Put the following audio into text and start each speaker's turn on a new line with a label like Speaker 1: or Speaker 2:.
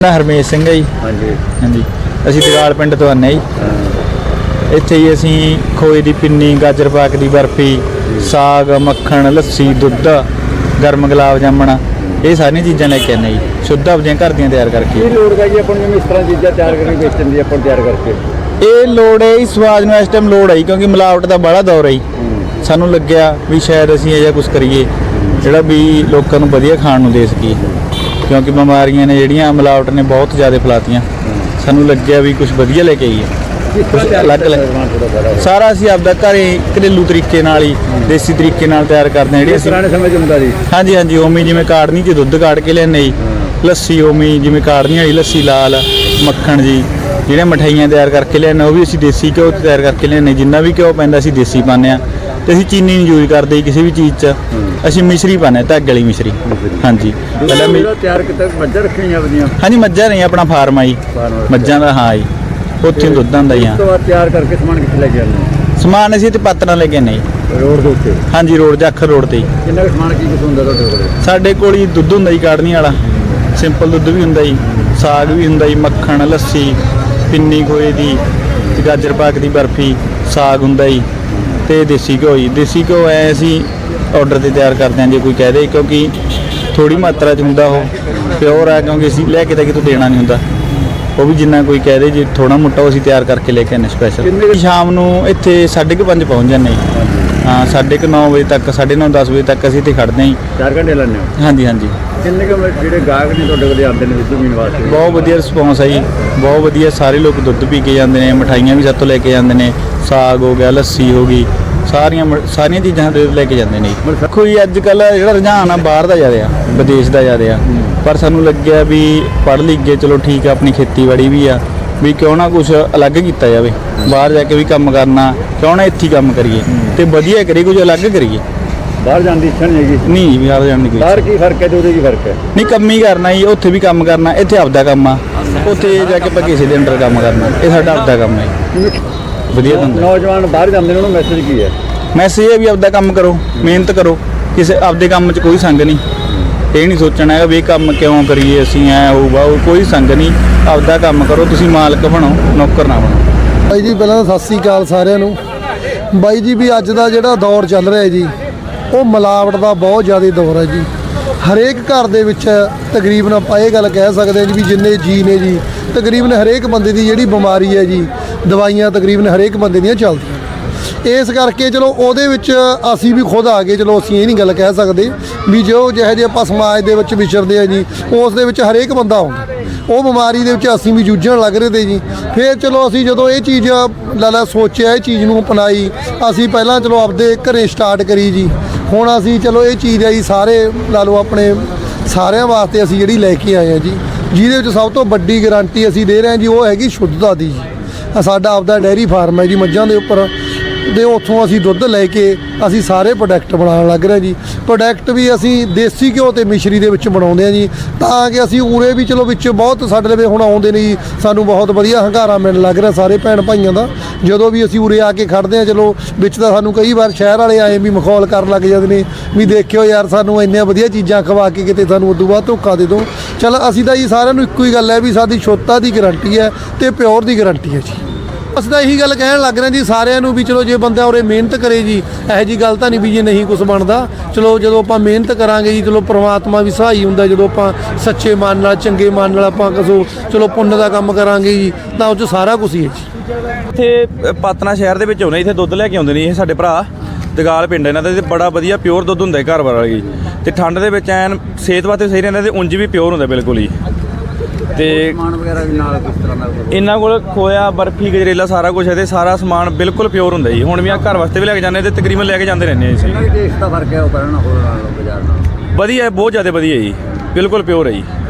Speaker 1: ਹਰਮੇਸ਼ ਸਿੰਘ ਹੈ ਜੀ। ਹਾਂਜੀ ਅਸੀਂ ਦਗਾਲ ਪਿੰਡ ਤੋਂ ਆਨੇ ਜੀ। ਇੱਥੇ ਹੀ ਅਸੀਂ ਖੋਏ ਦੀ ਪਿੰਨੀ, ਗਾਜਰ ਪਾਕ ਦੀ ਬਰਫੀ, ਸਾਗ, ਮੱਖਣ, ਲੱਸੀ, ਦੁੱਧ, ਗਰਮ ਗੁਲਾਬ ਜਾਮਣ, ਇਹ ਸਾਰੀਆਂ ਚੀਜ਼ਾਂ ਲੈ ਕੇ ਆਨੇ ਜੀ। ਸ਼ੁੱਧ ਆਪਣੀਆਂ ਘਰ ਦੀਆਂ ਤਿਆਰ ਕਰਕੇ।
Speaker 2: ਇਹ ਲੋੜ ਹੈ ਜੀ ਆਪਾਂ ਨੂੰ ਇਸ ਤਰ੍ਹਾਂ ਚੀਜ਼ਾਂ ਤਿਆਰ ਕਰਕੇ ਵੇਚਣ ਦੀ, ਆਪਾਂ ਤਿਆਰ ਕਰਕੇ
Speaker 1: ਇਹ ਲੋੜ ਹੈ ਜੀ। ਸਵਾਦ ਨੂੰ ਇਸ ਟਾਈਮ ਲੋੜ ਹੈ ਕਿਉਂਕਿ ਮਿਲਾਵਟ ਦਾ ਬੜਾ ਦੌਰ ਹੈ ਜੀ। ਸਾਨੂੰ ਲੱਗਿਆ ਵੀ ਸ਼ਾਇਦ ਅਸੀਂ ਇਹ ਜਿਹਾ ਕੁਝ ਕਰੀਏ ਜਿਹੜਾ ਵੀ ਲੋਕਾਂ ਨੂੰ ਵਧੀਆ ਖਾਣ ਨੂੰ ਦੇ ਸਕੀਏ, ਕਿਉਂਕਿ ਬਿਮਾਰੀਆਂ ਨੇ ਜਿਹੜੀਆਂ ਮਿਲਾਵਟ ਨੇ ਬਹੁਤ ਜ਼ਿਆਦਾ ਫੈਲਾਤੀਆਂ। ਸਾਨੂੰ ਲੱਗਿਆ ਵੀ ਕੁਝ ਵਧੀਆ ਲੈ ਕੇ ਆਈਏ, ਕੁਝ ਅਲੱਗ ਸਾਰਾ ਅਸੀਂ ਆਪਦਾ ਘਰੇ ਘਰੇਲੂ ਤਰੀਕੇ ਨਾਲ ਹੀ, ਦੇਸੀ ਤਰੀਕੇ ਨਾਲ ਤਿਆਰ ਕਰਦੇ ਹਾਂ। ਜਿਹੜੀ ਅਸੀਂ
Speaker 2: ਪੁਰਾਣੇ ਸਮੇਂ 'ਚ ਹੁੰਦਾ ਜੀ।
Speaker 1: ਹਾਂਜੀ ਉਵੇਂ ਜਿਵੇਂ ਕਾੜਨੀ 'ਚ ਦੁੱਧ ਕਾੜ ਕੇ ਲਿਆਉਂਦੇ ਜੀ, ਲੱਸੀ ਉਵੇਂ ਜਿਵੇਂ ਕਾੜਨੀ ਵਾਲੀ ਲੱਸੀ, ਲਾਲ ਮੱਖਣ ਜੀ, ਜਿਹੜੇ ਮਠਾਈਆਂ ਤਿਆਰ ਕਰਕੇ ਲਿਆਉਂਦੇ ਉਹ ਵੀ ਅਸੀਂ ਦੇਸੀ ਘਿਓ ਤਿਆਰ ਕਰਕੇ ਲਿਆਉਂਦੇ। ਜਿੰਨਾ ਵੀ ਘਿਓ ਪੈਂਦਾ ਅਸੀਂ ਦੇਸੀ ਪਾਉਂਦੇ ਹਾਂ, ਤੇ ਅਸੀਂ ਚੀਨੀ ਨਹੀਂ ਯੂਜ਼ ਕਰਦੇ ਕਿਸੇ ਵੀ ਚੀਜ਼ 'ਚ। ਅਸੀਂ ਮਿਸ਼ਰੀ ਪਾਉਂਦੇ, ਧਾਗੇ ਵਾਲੀ ਮਿਸ਼ਰੀ। ਹਾਂਜੀ
Speaker 2: ਪਹਿਲਾਂ ਤਿਆਰ ਕੀਤਾ ਮੱਝਾਂ ਰੱਖੀਆਂ ਆਪਣੀਆਂ।
Speaker 1: ਹਾਂਜੀ ਮੱਝਾਂ ਨਹੀਂ, ਆਪਣਾ ਫਾਰਮ ਆ ਜੀ ਮੱਝਾਂ ਦਾ। ਹਾਂ ਜੀ, ਉੱਥੇ ਦੁੱਧ ਆਉਂਦਾ ਜੀ।
Speaker 2: ਉਸ ਤੋਂ ਬਾਅਦ ਤਿਆਰ ਕਰਕੇ ਸਮਾਨ ਕਿੱਥੇ ਲੈ ਕੇ ਆਉਂਦੇ?
Speaker 1: ਸਮਾਨ ਅਸੀਂ ਇੱਥੇ ਪਾਤਰਾਂ ਲੈ ਕੇ ਆਉਂਦੇ ਜੀ,
Speaker 2: ਰੋਡ ਦੇ ਉੱਤੇ।
Speaker 1: ਹਾਂਜੀ ਰੋਡ ਦੇ ਅੱਖਰ ਰੋਡ ਤੇ ਜੀ।
Speaker 2: ਕਿੰਨਾ ਸਮਾਨ ਕੀ ਕੁਛ ਹੁੰਦਾ ਤੁਹਾਡੇ ਕੋਲ?
Speaker 1: ਸਾਡੇ ਕੋਲ ਜੀ ਦੁੱਧ ਹੁੰਦਾ ਜੀ ਕਾੜਨੀ ਵਾਲਾ, ਸਿੰਪਲ ਦੁੱਧ ਵੀ ਹੁੰਦਾ ਜੀ, ਸਾਗ ਵੀ ਹੁੰਦਾ ਜੀ, ਮੱਖਣ, ਲੱਸੀ, ਪਿੰਨੀ ਖੋਏ ਦੀ, ਤੇ ਗਾਜਰ ਪਾਕ ਦੀ ਬਰਫੀ, ਸਾਗ ਹੁੰਦਾ ਜੀ, ਤੇ ਦੇਸੀ ਘਿਓ ਜੀ। ਦੇਸੀ ਘਿਓ ਐ ਅਸੀਂ ਆਰਡਰ ਤੇ ਤਿਆਰ ਕਰਦੇ ਹਾਂ ਜੇ ਕੋਈ ਕਹਿ ਦੇ, ਕਿਉਂਕਿ ਥੋੜੀ ਮਾਤਰਾ 'ਚ ਹੁੰਦਾ, ਉਹ ਪਿਓਰ ਹੈ, ਕਿਉਂਕਿ ਅਸੀਂ ਲੈ ਕੇ ਤਾਂ ਕਿਤੋਂ ਦੇਣਾ ਨਹੀਂ ਹੁੰਦਾ। ਉਹ ਵੀ ਜਿੰਨਾ ਕੋਈ ਕਹਿ ਦੇ, ਜੇ ਥੋੜਾ ਮੋਟਾ ਉਹ ਅਸੀਂ ਤਿਆਰ ਕਰਕੇ ਲੈ ਕੇ ਆਉਂਦੇ ਸਪੈਸ਼ਲ। ਸ਼ਾਮ ਨੂੰ ਇੱਥੇ 5:30 ਪਹੁੰਚ ਜਾਂਦੇ ਜੀ। ਹਾਂ 9:30 ਵਜੇ ਤੱਕ, 9:30 10 ਵਜੇ ਤੱਕ ਅਸੀਂ ਇੱਥੇ ਖੜਦੇ ਹਾਂ ਜੀ।
Speaker 2: 4 ਘੰਟੇ ਲਾਉਂਦੇ ਹੋ? ਹਾਂਜੀ। ਕਿੰਨੇ ਕੁ ਜਿਹੜੇ ਗਾਹਕ ਨੇ ਤੁਹਾਡੇ ਕੋਲ ਆਉਂਦੇ ਨੇ ਦੁੱਧ ਪੀਣ ਵਾਸਤੇ?
Speaker 1: ਬਹੁਤ ਵਧੀਆ ਰਿਸਪੌਂਸ ਹੈ ਜੀ, ਬਹੁਤ ਵਧੀਆ। ਸਾਰੇ ਲੋਕ ਦੁੱਧ ਪੀ ਕੇ ਜਾਂਦੇ ਨੇ, ਮਠਾਈਆਂ ਵੀ ਸਾਤੋਂ ਲੈ ਕੇ ਜਾਂਦੇ ਨੇ, ਸਾਗ ਹੋ ਗਿਆ, ਲੱਸੀ ਹੋ ਗਈ, ਸਾਰੀਆਂ ਚੀਜ਼ਾਂ ਲੈ ਕੇ ਜਾਂਦੇ ਨੇ ਜੀ। ਕੋਈ ਅੱਜ ਕੱਲ੍ਹ ਜਿਹੜਾ ਰੁਝਾਨ ਆ ਬਾਹਰ ਦਾ ਜ਼ਿਆਦਾ ਆ, ਵਿਦੇਸ਼ ਦਾ ਜ਼ਿਆਦਾ ਆ, ਪਰ ਸਾਨੂੰ ਲੱਗਿਆ ਵੀ ਪੜ੍ਹ ਲਿਖ ਕੇ ਚਲੋ ਠੀਕ ਆ, ਆਪਣੀ ਖੇਤੀਬਾੜੀ ਵੀ ਆ, ਵੀ ਕਿਉਂ ਨਾ ਕੁਝ ਅਲੱਗ ਕੀਤਾ ਜਾਵੇ। ਬਾਹਰ ਜਾ ਕੇ ਵੀ ਕੰਮ ਕਰਨਾ, ਕਿਉਂ ਨਾ ਇੱਥੇ ਕੰਮ ਕਰੀਏ ਤੇ ਵਧੀਆ ਕਰੀਏ, ਕੁਝ ਅਲੱਗ ਕਰੀਏ।
Speaker 2: ਬਾਹਰ ਜਾਣ ਦੀ ਇੱਛਾ ਨਹੀਂ ਹੈਗੀ?
Speaker 1: ਨਹੀਂ, ਬਾਹਰ ਜਾਣ ਦੀ ਕੋਈ।
Speaker 2: ਬਾਹਰ ਕੀ ਫਰਕ ਹੈ ਤੇ ਉਹਦੇ ਕੀ ਫਰਕ ਹੈ?
Speaker 1: ਨਹੀਂ, ਕੰਮ ਹੀ ਕਰਨਾ ਜੀ, ਉੱਥੇ ਵੀ ਕੰਮ ਕਰਨਾ, ਇੱਥੇ ਆਪਦਾ ਕੰਮ ਆ, ਉੱਥੇ ਜਾ ਕੇ ਆਪਾਂ ਕਿਸੇ ਦੇ ਅੰਡਰ ਕੰਮ ਕਰਨਾ। ਇਹ ਸਾਡਾ ਆਪਦਾ ਕੰਮ ਹੈ, ਵਧੀਆ ਹੁੰਦਾ।
Speaker 2: ਨੌਜਵਾਨ ਬਾਹਰ ਜਾਂਦੇ ਨੇ, ਉਹਨੂੰ ਮੈਸੇਜ ਕੀ ਹੈ?
Speaker 1: ਮੈਸੇਜ ਇਹ ਵੀ ਆਪਦਾ ਕੰਮ ਕਰੋ, ਮਿਹਨਤ ਕਰੋ, ਕਿਸੇ ਆਪਦੇ ਕੰਮ 'ਚ ਕੋਈ ਸੰਗ ਨਹੀਂ। ਇਹ ਨਹੀਂ ਸੋਚਣਾ ਹੈਗਾ ਵੀ ਇਹ ਕੰਮ ਕਿਉਂ ਕਰੀਏ ਅਸੀਂ, ਐ ਹੋਊਗਾ, ਉਹ ਕੋਈ ਸੰਗ ਨਹੀਂ। ਆਪਦਾ ਕੰਮ ਕਰੋ, ਤੁਸੀਂ ਮਾਲਕ ਬਣੋ, ਨੌਕਰ ਨਾ ਬਣੋ।
Speaker 3: ਬਾਈ ਜੀ ਪਹਿਲਾਂ ਤਾਂ ਸਤਿ ਸ੍ਰੀ ਅਕਾਲ ਸਾਰਿਆਂ ਨੂੰ। ਬਾਈ ਜੀ ਵੀ ਅੱਜ ਦਾ ਜਿਹੜਾ ਦੌਰ ਚੱਲ ਰਿਹਾ ਜੀ, ਉਹ ਮਿਲਾਵਟ ਦਾ ਬਹੁਤ ਜ਼ਿਆਦਾ ਦੌਰ ਹੈ ਜੀ। ਹਰੇਕ ਘਰ ਦੇ ਵਿੱਚ ਤਕਰੀਬਨ ਆਪਾਂ ਇਹ ਗੱਲ ਕਹਿ ਸਕਦੇ ਹਾਂ ਜੀ ਵੀ ਜਿੰਨੇ ਜੀ ਨੇ ਜੀ, ਤਕਰੀਬਨ ਹਰੇਕ ਬੰਦੇ ਦੀ ਜਿਹੜੀ ਬਿਮਾਰੀ ਹੈ ਜੀ, ਦਵਾਈਆਂ ਤਕਰੀਬਨ ਹਰੇਕ ਬੰਦੇ ਦੀਆਂ ਚੱਲਦੀਆਂ। ਇਸ ਕਰਕੇ ਚਲੋ ਉਹਦੇ ਵਿੱਚ ਅਸੀਂ ਵੀ ਖੁਦ ਆ ਗਏ। ਚਲੋ ਅਸੀਂ ਇਹ ਨਹੀਂ ਗੱਲ ਕਹਿ ਸਕਦੇ ਵੀ ਜੋ ਜਿਹੋ ਜਿਹੇ ਆਪਾਂ ਸਮਾਜ ਦੇ ਵਿੱਚ ਵਿਚਰਦੇ ਆ ਜੀ, ਉਸ ਦੇ ਵਿੱਚ ਹਰੇਕ ਬੰਦਾ ਆਉਂਦਾ। ਉਹ ਬਿਮਾਰੀ ਦੇ ਵਿੱਚ ਅਸੀਂ ਵੀ ਜੂਝਣ ਲੱਗ ਰਹੇ ਤੇ ਜੀ। ਫਿਰ ਚਲੋ ਅਸੀਂ ਜਦੋਂ ਇਹ ਚੀਜ਼ ਲਾਲਾ ਸੋਚਿਆ, ਇਹ ਚੀਜ਼ ਨੂੰ ਅਪਣਾਈ, ਅਸੀਂ ਪਹਿਲਾਂ ਚਲੋ ਆਪਦੇ ਘਰੇ ਸਟਾਰਟ ਕਰੀ ਜੀ। ਹੁਣ ਅਸੀਂ ਚਲੋ ਇਹ ਚੀਜ਼ ਆ ਜੀ ਸਾਰੇ ਲਾ ਲਓ ਆਪਣੇ ਸਾਰਿਆਂ ਵਾਸਤੇ ਅਸੀਂ ਜਿਹੜੀ ਲੈ ਕੇ ਆਏ ਆ ਜੀ, ਜਿਹਦੇ ਵਿੱਚ ਸਭ ਤੋਂ ਵੱਡੀ ਗਾਰੰਟੀ ਅਸੀਂ ਦੇ ਰਹੇ ਹਾਂ ਜੀ, ਉਹ ਹੈਗੀ ਸ਼ੁੱਧਤਾ ਦੀ ਜੀ। ਸਾਡਾ ਆਪਦਾ ਡੈਰੀ ਫਾਰਮ ਹੈ ਜੀ ਮੱਝਾਂ ਦੇ ਉੱਪਰ, ਤੇ ਉੱਥੋਂ ਅਸੀਂ ਦੁੱਧ ਲੈ ਕੇ ਅਸੀਂ ਸਾਰੇ ਪ੍ਰੋਡਕਟ ਬਣਾਉਣ ਲੱਗ ਰਹੇ ਜੀ। ਪ੍ਰੋਡਕਟ ਵੀ ਅਸੀਂ ਦੇਸੀ ਘਿਓ ਤੇ ਮਿਸ਼ਰੀ ਦੇ ਵਿੱਚ ਬਣਾਉਂਦੇ ਹਾਂ ਜੀ, ਤਾਂ ਕਿ ਅਸੀਂ ਉਰੇ ਵੀ ਚਲੋ ਵਿੱਚ ਬਹੁਤ ਸਾਡੇ ਲਵੇ ਹੁਣ ਆਉਂਦੇ ਨੇ ਜੀ, ਸਾਨੂੰ ਬਹੁਤ ਵਧੀਆ ਹੰਗਾਰਾ ਮਿਲਣ ਲੱਗ ਰਿਹਾ ਸਾਰੇ ਭੈਣ ਭਾਈਆਂ ਦਾ। ਜਦੋਂ ਵੀ ਅਸੀਂ ਉਰੇ ਆ ਕੇ ਖੜਦੇ ਹਾਂ, ਚਲੋ ਵਿੱਚ ਤਾਂ ਸਾਨੂੰ ਕਈ ਵਾਰ ਸ਼ਹਿਰ ਵਾਲੇ ਆਏ ਵੀ ਮਖੌਲ ਕਰਨ ਲੱਗ ਜਾਂਦੇ ਨੇ ਵੀ ਦੇਖਿਓ ਯਾਰ ਸਾਨੂੰ ਇੰਨੀਆਂ ਵਧੀਆ ਚੀਜ਼ਾਂ ਖਵਾ ਕੇ ਕਿਤੇ ਸਾਨੂੰ ਉਦੋਂ ਬਾਅਦ ਧੋਖਾ ਦੇ ਦਿਓ। ਚਲ ਅਸੀਂ ਤਾਂ ਜੀ ਸਾਰਿਆਂ ਨੂੰ ਇੱਕੋ ਹੀ ਗੱਲ ਹੈ ਵੀ ਸਾਡੀ ਸ਼ੁੱਧਤਾ ਦੀ ਗਰੰਟੀ ਹੈ ਤੇ ਪਿਓਰ ਦੀ ਗਰੰਟੀ ਹੈ ਜੀ। ਅਸੀਂ ਤਾਂ ਇਹੀ ਗੱਲ ਕਹਿਣ ਲੱਗ ਰਹੇ ਜੀ ਸਾਰਿਆਂ ਨੂੰ ਵੀ ਚਲੋ ਜੇ ਬੰਦਾ ਉਰੇ ਮਿਹਨਤ ਕਰੇ ਜੀ, ਇਹੋ ਜਿਹੀ ਗੱਲ ਤਾਂ ਨਹੀਂ ਵੀ ਜੇ ਨਹੀਂ ਕੁਝ ਬਣਦਾ। ਚਲੋ ਜਦੋਂ ਆਪਾਂ ਮਿਹਨਤ ਕਰਾਂਗੇ ਜੀ, ਚਲੋ ਪ੍ਰਮਾਤਮਾ ਵੀ ਸਹਾਈ ਹੁੰਦਾ। ਜਦੋਂ ਆਪਾਂ ਸੱਚੇ ਮਨ ਨਾਲ, ਚੰਗੇ ਮਨ ਨਾਲ ਆਪਾਂ ਚਲੋ ਪੁੰਨ ਦਾ ਕੰਮ ਕਰਾਂਗੇ ਜੀ, ਤਾਂ ਉਹ 'ਚ ਸਾਰਾ ਕੁਝ ਹੀ ਹੈ ਜੀ।
Speaker 4: ਇੱਥੇ ਪਾਤਨਾ ਸ਼ਹਿਰ ਦੇ ਵਿੱਚ ਆਉਂਦੇ, ਇੱਥੇ ਦੁੱਧ ਲੈ ਕੇ ਆਉਂਦੇ ਨੇ ਇਹ ਸਾਡੇ ਭਰਾ। ਦਗਾਲ ਪਿੰਡ ਇਹਨਾਂ ਦਾ, ਤੇ ਬੜਾ ਵਧੀਆ ਪਿਓਰ ਦੁੱਧ ਹੁੰਦਾ ਘਰ ਵਾਲਾ ਜੀ। ਤੇ ਠੰਡ ਦੇ ਵਿੱਚ ਐਨ ਸਿਹਤ ਵਾਸਤੇ ਸਹੀ ਰਹਿੰਦਾ, ਤੇ ਉਂਝ ਵੀ ਪਿਓਰ ਹੁੰਦਾ ਬਿਲਕੁਲ ਹੀ। ਤੇ
Speaker 2: ਸਮਾਨ ਵਗੈਰਾ ਵੀ ਨਾਲ ਕਿਸ ਤਰ੍ਹਾਂ ਦਾ?
Speaker 4: ਇਹਨਾਂ ਕੋਲ ਖੋਇਆ, ਬਰਫੀ, ਗਜਰੇਲਾ ਸਾਰਾ ਕੁਝ ਹੈ, ਤੇ ਸਾਰਾ ਸਮਾਨ ਬਿਲਕੁਲ ਪਿਓਰ ਹੁੰਦਾ ਜੀ। ਹੁਣ ਵੀ ਆ ਘਰ ਵਾਸਤੇ ਵੀ ਲੈ ਕੇ ਜਾਂਦੇ, ਤੇ ਤਕਰੀਬਨ ਲੈ ਕੇ ਜਾਂਦੇ ਰਹਿੰਦੇ ਆ ਜੀ।
Speaker 2: ਟੇਸਟ ਦਾ ਫਰਕ ਹੈ ਉਹ ਕਰਨ ਹੋਰ ਨਾਲ ਬਾਜ਼ਾਰ ਨਾਲ?
Speaker 4: ਵਧੀਆ, ਬਹੁਤ ਜ਼ਿਆਦਾ ਵਧੀਆ ਜੀ, ਬਿਲਕੁਲ ਪਿਓਰ ਹੈ ਜੀ।